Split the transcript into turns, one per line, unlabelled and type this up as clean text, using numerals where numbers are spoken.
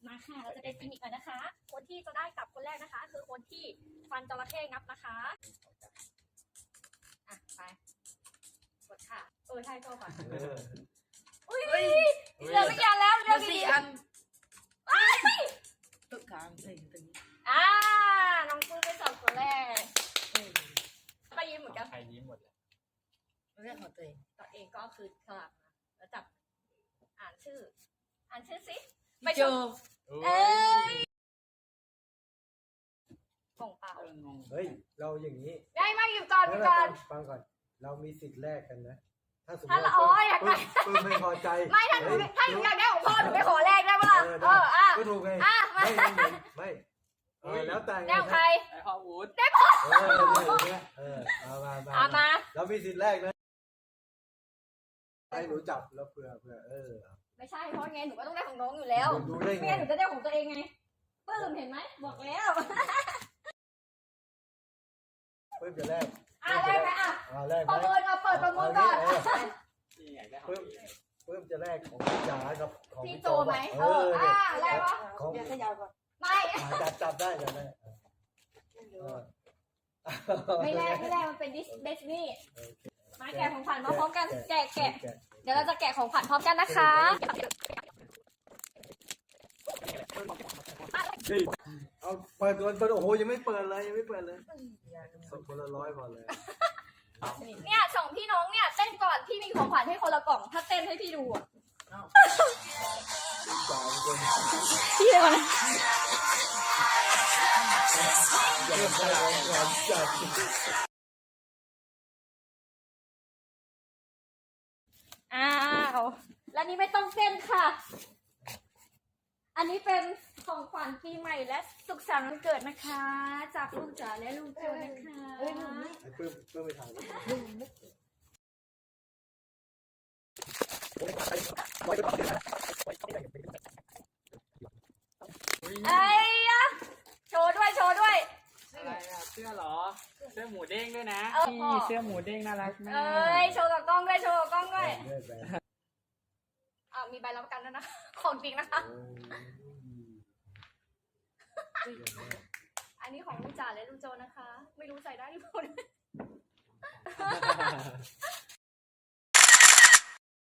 มาค่ะเราจะเป็นฟินิกกันนะคะคนที่จะได้กลับคนแรกนะคะคือคนที่ฟันจระเข้งับนะคะอ่ะไปกดค่ะใช่โซ่ก่อนอุ้ยเหลือไม่กี่อันแล้วเหลือ4 อัน
ตุ๊กตาใส่ตรงนี้
น้องปื้มไป2คนแรกไปยิ้มเหมือนกัน
ใครยิ้มหมดเลย
เรื่องของตัวเอง
ตัวเองก็คือสลับแล้วจับอ่านชื่อสิไป
โจ
เอ้ยกล่องเปล่า
เฮ้ยเราอย่างนี้
ได้มาหยิบก่อน
ฟังก่อนเรามีสิทธิ์แรกกันนะถ้าสมม
ถ้า
ติ
เรา
ว่า
อยากได้
ปื้มไม่พอใจ
ไม่ถ้าหนูอยากได้ของพ่อหนูไปขอแรกได้ปะล่ะ
ก็ถูกไง
มา
ไม่แล้วแต่
แนวใคร
ไอ้พ่อวูด
มาเรามีสิทธิ์แรกนะให้หนูจับแล้วเผื่อ
ไม่ใช่เพราะไงหนูก็ต้องได้ของน้องอยู่แล้ว
ดูได้
ไม่
ไง
งั้นหนูจะได้ของตัวเองไงปื้มเห็นไหมบอกแล้ว
ปื้มจะแรก
แรกไหม
แรก
ประเมินเปิดประเมินก่อน
นี่ไงได้
ปื้มจะแรกของจ๋ากับของ
พี่
พี่
โจ
โจ
ไหมแรกวะ
ของ
เดี๋ยวขยับก่อน
ไม่
จับได้จับได้
ไม่แรกมันเป็นดิสนีย์มาแกะของขวัญมาพร้อมกันแกะเดี๋ยวเราจะแกะของขวัญพร้อมกันนะคะ
เอาเปิดโอ้โหยังไม่เปิดเลยส่งคนละ100พอเลย
เนี่ย2พี่น้องเนี่ยเต้นก่อนพี่มีของขวัญให้คนละกล่องถ้าเต้นให้พี่ดู
3 คน
พี่เลยก่อน
อยากได้ของขวัญจัด
แล้วนี้ไม่ต้องเต้นค่ะ อันนี้เป็นของขวัญปีใหม่และสุขสันต์วันเกิดนะคะ จากลูกจ๋าและลูกโจนะคะ
ไอ้ปื้มไปถ่าย
โชว์ด้วย
อะไรอ่ะเสื้อเหรอเสื้อหมูเด้งด้วยนะ
นี่
นี่เสื้อหมูเด้งน่ารักมาก
โชว์กับกล้องด้วยมีใบรับประกันด้วยนะของจริงนะคะอันนี้ของลูกจ๋าและลูกโจนะคะไม่รู้ใส่ได้หรือเปล่า